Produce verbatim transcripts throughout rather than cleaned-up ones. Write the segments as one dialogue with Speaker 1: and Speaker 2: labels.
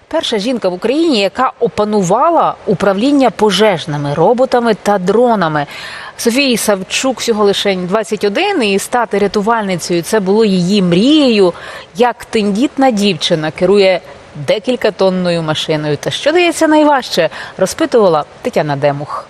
Speaker 1: Перша жінка в Україні, яка опанувала управління пожежними роботами та дронами. Софії Савчук всього лише двадцять один, і стати рятувальницею – це було її мрією. Як тендітна дівчина керує декількатонною машиною. Та що дається найважче, розпитувала Тетяна Демух.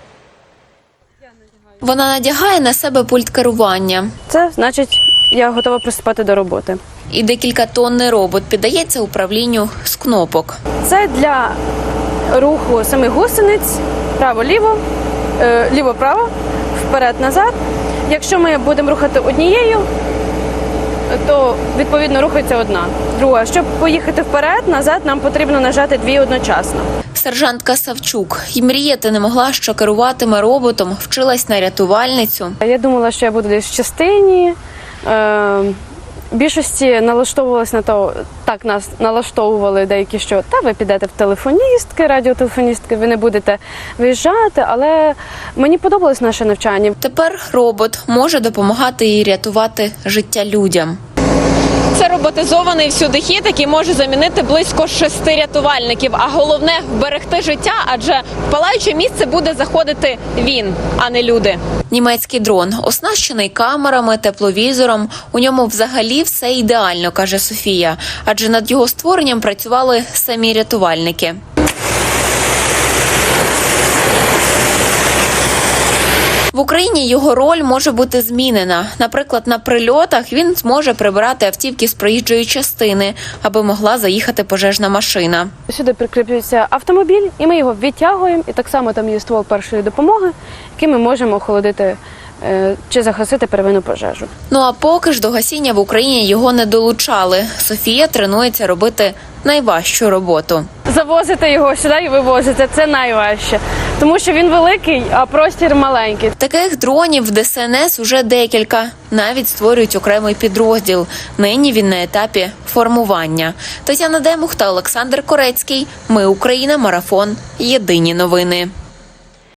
Speaker 2: Вона надягає на себе пульт керування.
Speaker 3: Це значить, я готова приступати до роботи.
Speaker 2: І декількатонний робот піддається управлінню з кнопок.
Speaker 3: Це для руху самих гусениць право-ліво, е, ліво-право, вперед-назад. Якщо ми будемо рухати однією, то відповідно рухається одна. Друга. Щоб поїхати вперед-назад, нам потрібно нажати дві одночасно.
Speaker 2: Сержантка Савчук і мріяти не могла, що керуватиме роботом, вчилась на рятувальницю.
Speaker 3: Я думала, що я буду десь в частині. Е, більшості налаштовувалась на то, так нас налаштовували деякі, що та ви підете в телефоністки, радіотелефоністки, ви не будете виїжджати, але мені подобалось наше навчання.
Speaker 2: Тепер робот може допомагати їй рятувати життя людям.
Speaker 4: Це роботизований всюдихід, який може замінити близько шести рятувальників. А головне – вберегти життя, адже в палаюче місце буде заходити він, а не люди.
Speaker 2: Німецький дрон оснащений камерами, тепловізором. У ньому взагалі все ідеально, каже Софія. Адже над його створенням працювали самі рятувальники. В Україні його роль може бути змінена. Наприклад, на прильотах він зможе прибирати автівки з проїжджої частини, аби могла заїхати пожежна машина.
Speaker 3: Сюди прикріплюється автомобіль, і ми його відтягуємо, і так само там є ствол першої допомоги, яким ми можемо охолодити е, чи загасити первинну пожежу.
Speaker 2: Ну а поки ж до гасіння в Україні його не долучали. Софія тренується робити найважчу роботу.
Speaker 3: Завозити його сюди і вивозити – це найважче, тому що він великий, а простір маленький.
Speaker 2: Таких дронів в Де Ес En Ес уже декілька. Навіть створюють окремий підрозділ. Нині він на етапі формування. Тетяна Демух та Олександр Корецький. Ми Україна. Марафон. Єдині новини.